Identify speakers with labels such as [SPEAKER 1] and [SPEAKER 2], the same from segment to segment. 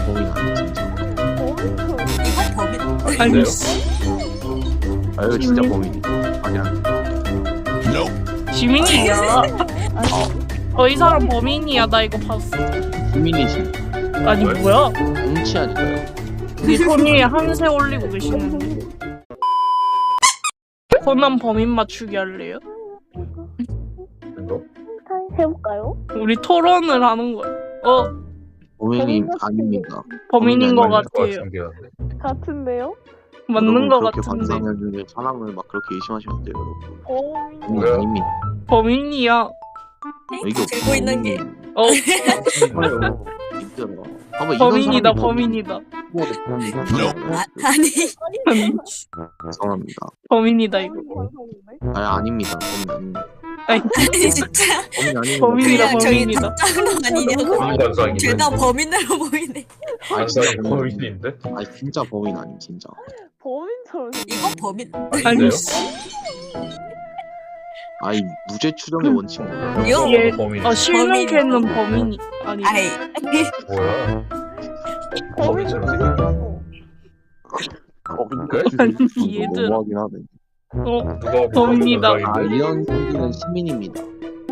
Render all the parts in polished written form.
[SPEAKER 1] 범인 아니야 진짜.
[SPEAKER 2] 이건 범인.
[SPEAKER 3] 아니
[SPEAKER 1] 이거 진짜 범인이. 아니야.
[SPEAKER 3] 시민이야. 이 사람 범인이야. 나 이거 봤어.
[SPEAKER 1] 시민이시.
[SPEAKER 3] 아니 뭐야?
[SPEAKER 1] 정치 아닐까요?
[SPEAKER 3] 네 손 위에 한세 올리고 계시는데. 코난 범인 맞추기 할래요?
[SPEAKER 4] 이거?
[SPEAKER 5] 해볼까요?
[SPEAKER 3] 우리 토론을 하는 거야.
[SPEAKER 1] 범인이 아닙니다.
[SPEAKER 3] 범인인 것
[SPEAKER 1] 범인이 아닐
[SPEAKER 3] 같아요.
[SPEAKER 5] 같은데요?
[SPEAKER 3] 맞는 것
[SPEAKER 1] 그렇게
[SPEAKER 3] 같은데.
[SPEAKER 1] 반상현 중에 사람을 막 그렇게 의심하시면 안 돼요, 여러분. 범인이
[SPEAKER 4] 뭐야?
[SPEAKER 1] 아닙니다.
[SPEAKER 3] 범인이야.
[SPEAKER 1] 이게
[SPEAKER 2] 들고 있는 게.
[SPEAKER 1] 범인이에요. 진짜로. 봐봐, 이런
[SPEAKER 3] 범인이다.
[SPEAKER 1] 사람이
[SPEAKER 3] 범인이다.
[SPEAKER 2] 아니.
[SPEAKER 1] 죄송합니다.
[SPEAKER 3] 범인이다 이거.
[SPEAKER 1] 아닙니다. 범인 아닙니다.
[SPEAKER 3] 아니
[SPEAKER 2] 아니 진짜.
[SPEAKER 1] 범인 아닙니다.
[SPEAKER 3] 범인이다.
[SPEAKER 2] 그냥 저희
[SPEAKER 3] 범인이다.
[SPEAKER 2] 짝짝로 아니냐고.
[SPEAKER 4] 범인관상이네.
[SPEAKER 2] 둘 다 범인으로 보이네.
[SPEAKER 4] 관상이 범인인데?
[SPEAKER 1] 아니 진짜 범인 아님 진짜.
[SPEAKER 5] 범인처럼
[SPEAKER 2] 이건 범인.
[SPEAKER 3] 아니
[SPEAKER 4] 아닌데요?
[SPEAKER 1] 아니 무죄 추정의 원칙 몰라.
[SPEAKER 2] 이거
[SPEAKER 3] 얘
[SPEAKER 4] 범인.
[SPEAKER 3] 실명캐는 범인이 아니.
[SPEAKER 2] 아이.
[SPEAKER 4] 뭐야? 범인처럼 생겼네. 범인인데?
[SPEAKER 3] 아니 얘들.
[SPEAKER 1] 너무하긴 하네.
[SPEAKER 4] 누가
[SPEAKER 3] 범인이다.
[SPEAKER 1] 이런 경기는 시민입니다.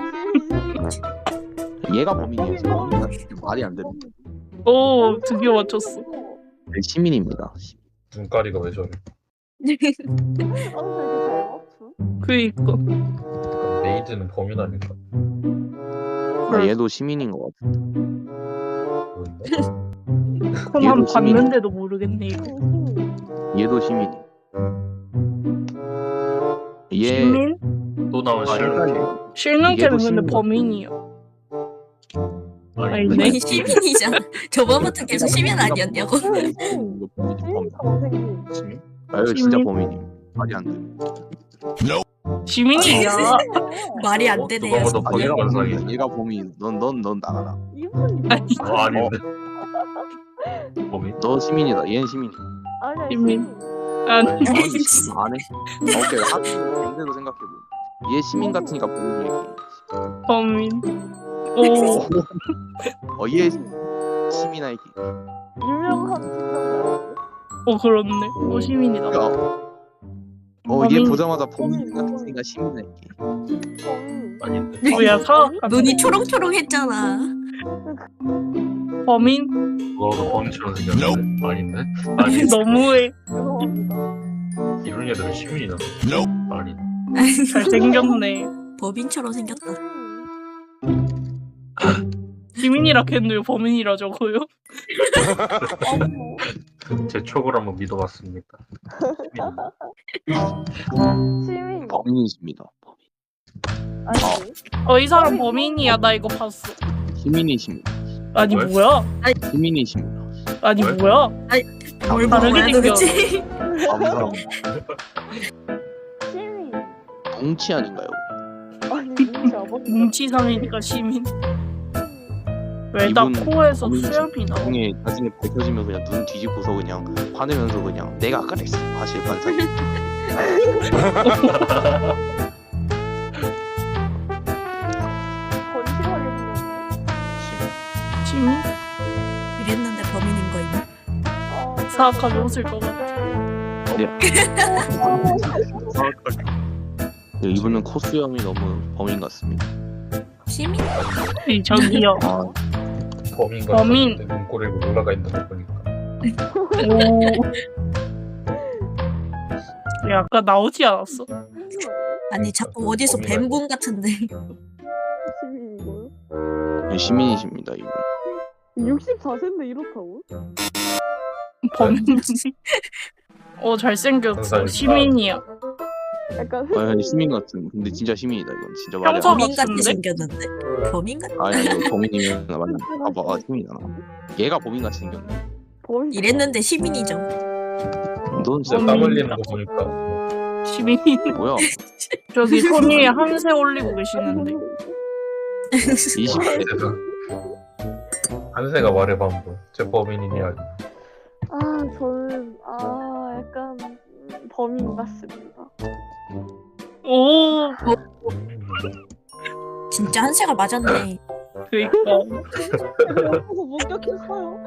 [SPEAKER 1] 얘가 범인이에요. 범인 말이 안 됩니다.
[SPEAKER 3] 오 드디어 맞췄어.
[SPEAKER 1] 네, 시민입니다.
[SPEAKER 4] 눈가리가 왜 저래?
[SPEAKER 3] 그니까.
[SPEAKER 4] 그럼 메이드는 범인 아닐까?
[SPEAKER 1] 얘도 시민인 것 같아.
[SPEAKER 4] 모른다?
[SPEAKER 3] 코난
[SPEAKER 1] 얘도 시민이야.
[SPEAKER 3] 봤는데도 모르겠네 이거.
[SPEAKER 1] 얘도 시민이. 얘
[SPEAKER 3] 시민?
[SPEAKER 4] 또 나온 실력.
[SPEAKER 3] 실명캐는
[SPEAKER 1] 얘도
[SPEAKER 3] 근데
[SPEAKER 1] 시민이야.
[SPEAKER 3] 범인이야.
[SPEAKER 4] 아니,
[SPEAKER 3] 네?
[SPEAKER 2] 아니 시민이잖아. 저번부터 계속 시민 아니었냐고.
[SPEAKER 1] 범인.
[SPEAKER 4] 시민?
[SPEAKER 1] 이거 진짜
[SPEAKER 3] 시민?
[SPEAKER 1] 범인이. 말이 안 돼.
[SPEAKER 3] 시민이야.
[SPEAKER 2] 말이 안 되네요.
[SPEAKER 4] 누가 봐도
[SPEAKER 1] 얘가
[SPEAKER 4] 범인관상이네.
[SPEAKER 1] 범인. 얘가 범인. 넌 나가라.
[SPEAKER 4] 아닌데? 범인?
[SPEAKER 1] 너 시민이다. 얘는 시민이.
[SPEAKER 3] 시민. 아니
[SPEAKER 1] 안 해. 오케이. 반대로 생각해보. 얘 시민 같으니까 범인이야.
[SPEAKER 3] 범인. 오
[SPEAKER 1] 얘 시민 아이디.
[SPEAKER 5] 유명한 팀장
[SPEAKER 3] 그렇네. 오 시민이다.
[SPEAKER 1] 얘
[SPEAKER 3] 범인.
[SPEAKER 1] 보자마자 범인 같으니까 시민 아이디.
[SPEAKER 5] 범인
[SPEAKER 4] 아닌데?
[SPEAKER 3] 뭐야 사각 같은.
[SPEAKER 2] 눈이 초롱초롱했잖아.
[SPEAKER 3] 범인?
[SPEAKER 4] 누가 봐도 범인처럼 생겼는데? 아닌데? 아니,
[SPEAKER 3] 너무해.
[SPEAKER 5] 죄송합니다.
[SPEAKER 4] 이런 애들은 시민이다. 아니,
[SPEAKER 3] 잘생겼네.
[SPEAKER 2] 범인처럼 생겼다.
[SPEAKER 3] 시민이라 했는데 범인이라 적어요?
[SPEAKER 4] 제 촉을 한번 믿어봤습니까?
[SPEAKER 5] 시민
[SPEAKER 1] 범인이십니다.
[SPEAKER 5] 아니
[SPEAKER 3] 이 사람 범인이야. 나 이거 봤어.
[SPEAKER 1] 시민이십니다.
[SPEAKER 3] 아니
[SPEAKER 4] 왜?
[SPEAKER 3] 뭐야?
[SPEAKER 1] 시민이십니다.
[SPEAKER 3] 아니
[SPEAKER 4] 왜?
[SPEAKER 3] 뭐야?
[SPEAKER 2] 뭘
[SPEAKER 3] 다르게
[SPEAKER 2] 먹어야 도대체?
[SPEAKER 1] 감사합니다.
[SPEAKER 5] 시민
[SPEAKER 1] 뭉치 아닌가요?
[SPEAKER 5] 아니 눈치 아버지
[SPEAKER 3] 뭉치상이니까 시민. 왜 나
[SPEAKER 1] 이분
[SPEAKER 3] 코에서
[SPEAKER 1] 범인이지.
[SPEAKER 3] 수염이 나?
[SPEAKER 1] 나중에 밝혀지면 그냥 눈 뒤집고서 그냥 화내면서 그냥 내가 그랬어. 사실 반사기.
[SPEAKER 5] 건실하게 생겼네.
[SPEAKER 3] 시민?
[SPEAKER 2] 이랬는데 범인인 거 있나?
[SPEAKER 3] 사악하게 웃을 것 같아.
[SPEAKER 1] 이분은 코수염이 너무 범인 같습니다.
[SPEAKER 2] 시민?
[SPEAKER 3] 저기요.
[SPEAKER 4] 범인과
[SPEAKER 3] 범인.
[SPEAKER 4] 눈꼬리가 올라가 있는 거 보니까.
[SPEAKER 3] 오. 야, 아까 나오지 않았어?
[SPEAKER 2] 아니 자꾸 어디서
[SPEAKER 4] 범인 아니야.
[SPEAKER 2] 뱀군 같은데.
[SPEAKER 5] 시민이고요.
[SPEAKER 1] 시민이십니다. 이분.
[SPEAKER 5] 64세인데 이렇다고?
[SPEAKER 3] 범인. 잘생겼어.
[SPEAKER 4] 감사합니다.
[SPEAKER 3] 시민이야.
[SPEAKER 5] 약간
[SPEAKER 1] 시민 같은. 근데 진짜 시민이다. 이건 진짜 말이 안
[SPEAKER 3] 평소
[SPEAKER 1] 돼.
[SPEAKER 2] 범인 같이
[SPEAKER 3] 같은데?
[SPEAKER 2] 생겼는데. 범인 같.
[SPEAKER 1] 아니 이거 범인이면 맞나? 봐봐 시민이잖아. 얘가 범인 같이 생겼네.
[SPEAKER 5] 범인
[SPEAKER 2] 이랬는데 시민이죠.
[SPEAKER 1] 넌
[SPEAKER 4] 진짜
[SPEAKER 1] 진짜
[SPEAKER 4] 땀 흘리는 거 보니까.
[SPEAKER 3] 시민이.
[SPEAKER 1] 뭐야?
[SPEAKER 3] 저기 손 위에 한세 올리고 계시는데.
[SPEAKER 1] 20대.
[SPEAKER 4] 한세가 말해봐 한번. 제 범인이냐 아니야.
[SPEAKER 5] 저는 약간 범인 같습니다.
[SPEAKER 3] 오.
[SPEAKER 2] 진짜 한세가 맞았네.
[SPEAKER 3] 그니까.
[SPEAKER 5] 목격했어요.